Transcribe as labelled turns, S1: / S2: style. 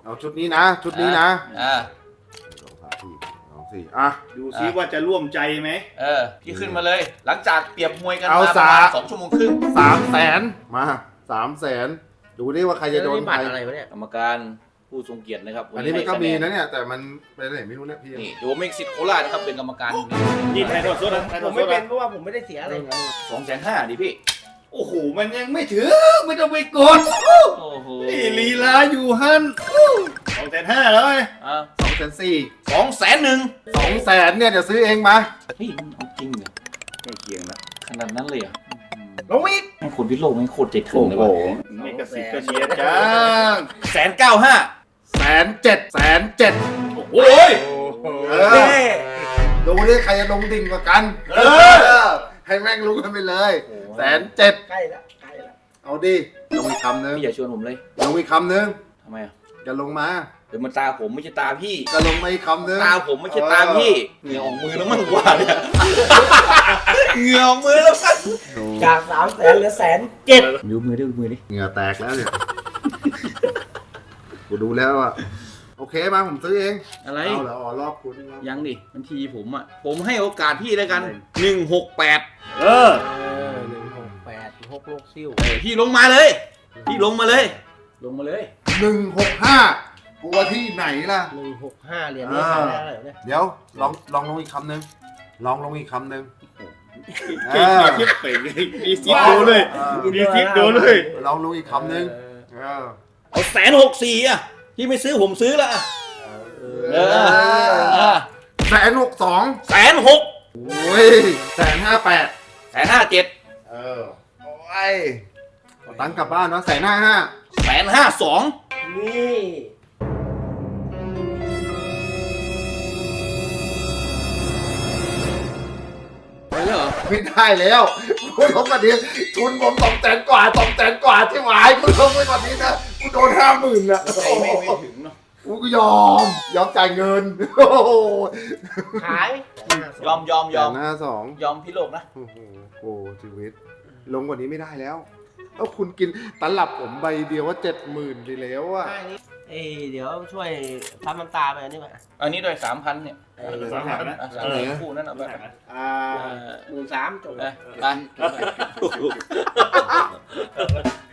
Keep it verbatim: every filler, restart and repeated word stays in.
S1: เอาชุดนี้นะชุดนี้นะ
S2: อ่า
S1: สองสามสี่สองสี่อ่ะ
S3: ดูซิว่าจะร่วมใจไหม
S2: เออพี่ขึ้นมาเลย หลังจากเปรียบมวยกัน
S1: เอา
S2: มาประมาณ
S1: สา
S2: สองชั่วโมงครึ่ง
S1: สามแสนมาสามแสนดูดิว่าใครจะโดน
S4: นี่
S1: ใค
S4: บั
S1: ร
S4: ตรอะไรวะเนี่ย
S2: กรรมการผู้ทรงเกียรตินะครับ
S1: อันนี้มันก็
S2: ให้
S1: มี
S2: ค
S1: นะเนี่ยแต่มันไปไหนไม่รู้เนี่ยพี่
S2: นี่โยเม็กซิโคราชนะครับเป็นกรรมการ
S3: นี่ไทยทอดสดนะไทยท
S4: ผ
S3: อ
S4: ม
S3: ดส
S4: ไม่
S3: ด
S4: เป็น
S3: นะ
S4: เพราะว่าผมไม่ได้เสียอะไร
S2: สองแสนห้าดิพี่
S3: โอ้โหมันยังไม่ถึงไม่ต้องไปกด
S2: โอ้โห
S3: นี่ลีลาอยู่ฮันสองแสนห้าแล้วไง
S2: อ่า
S1: สองแสนสี่
S2: สองแสนหนึ่ง
S1: สองแสนเนี่ยเดี๋ยวซื้อเองมา
S2: เฮ้ยมันเอาจริงเหรอ
S3: ใกล้เคียงละ
S2: ขนาดนั้นเลยเหรอ่ะ
S4: ลงอีก
S2: ให้คนพิโลกไม่โคตรใจถึงเลยว่ะ
S3: นี่กระสิบกระเชียร์จ้า
S2: แสนเก้าห้า
S1: แสนเจ็ดแสนเจ็ด
S2: โอ้ย
S1: เออดูดิใครจะลงดิ่งกว่ากัน
S2: เออ
S1: ให้แม่งรู้กันไปเลยแสนเจ็ด
S4: ใกล้แล้วใกล้แล้ว
S1: เอาดิลงอีกคำนึง
S2: พี่อย่าชวนผมเลย
S1: ลงอีกคำนึง
S2: ทำไมอ่ะ
S1: จะลงมา
S2: เดี๋ยวมันตาผมไม่ใช่ตาพี่
S1: ก็ลงมาอีกคำนึง
S2: ตาผมไม่ใช่ตาพี่เหงื่อออกมือแล้วมั่งกว่าเนี่ยเหงื่อออกมือแล้วมั้ง
S4: จากสามแสนเหลือแสนเจ็ด
S2: ดูมือดิดูมือดิ
S1: เหงื่อแตกแล้วเนี่ยกูดูแล้วอ่ะโอเคมาผมซื้อเอง
S2: อะไร
S1: เอาแล้วอ๋อรอบคุณครับ
S2: ยังดิบัญชีผมอ่ะผมให้โอกาสพี่แล้วกันหนึ่งหกแปด
S3: เออ
S4: หนึ่งหกแปดหกโลกซิ่ว
S2: พี่ลงมาเลย พี่ลงมาเลย ลงมาเลย
S1: หนึ่งหกห้ากลัวที่ไหนล่ะ
S4: หนึ่งหกห้าเหรียญนี่ขายได้อะไรวะเนี่ย
S1: เดี๋ยวลองลองลงอีกคำนึงลองลงอีกคำนึง
S3: เก่งกว่าคิดเป่งมีซิปโดนเลย
S1: เออ
S3: มีซิปโดนเลย
S1: ลองลงอีกคำนึงเออ
S2: เอาแสนหกสี่อ่ะพี่ไม่ซื้อผมซื้อละอ่ะ
S4: เอ
S2: เอ
S4: อ
S2: อ
S1: แสนหกสอง
S2: แสนหก
S1: โอ้ยแสนห้าแปด
S2: แสนห้าเจ็ด
S1: เออโอ้ยเอาตังค์กลับบ้านเนาะแสนห้าห้า
S2: แสนห้าสอง
S4: นี่
S2: ไปแล้วเหรอ
S1: ไม่ได้แล้วคุณลงมาดีทุนผมสองแสนกว่าสองแสนกว่าที่หวายคุณลงไปกว่านี้นะกูโดนห้าหมื่นอะ
S2: ไม่ไม่ไม่ถึงเนาะ
S1: กูก็ยอมยอมจ่ายเงินโอ้โห
S4: ขาย
S2: ยอมยอมยอม
S1: หน้าสอง
S2: ยอมพี่โลกนะ
S1: โอ้โหโอ้ชีวิต ลงกว่านี้ไม่ได้แล้วแล้วคุณกินตลับผมใบเดียวว่าเจ็ดหมื่นไปแล้วอะ
S4: เอ้ยเดี๋ยวช่วยทำน้ำตาไปอันนี้มา
S2: อันนี้ด้วยสามพันเนี่ย
S4: เอ้ย
S3: สามพันนะ
S2: อ่ะสามพันคู่นั่นเอาไป
S3: อ่า
S4: หมื่นสามจบ
S2: ไปไป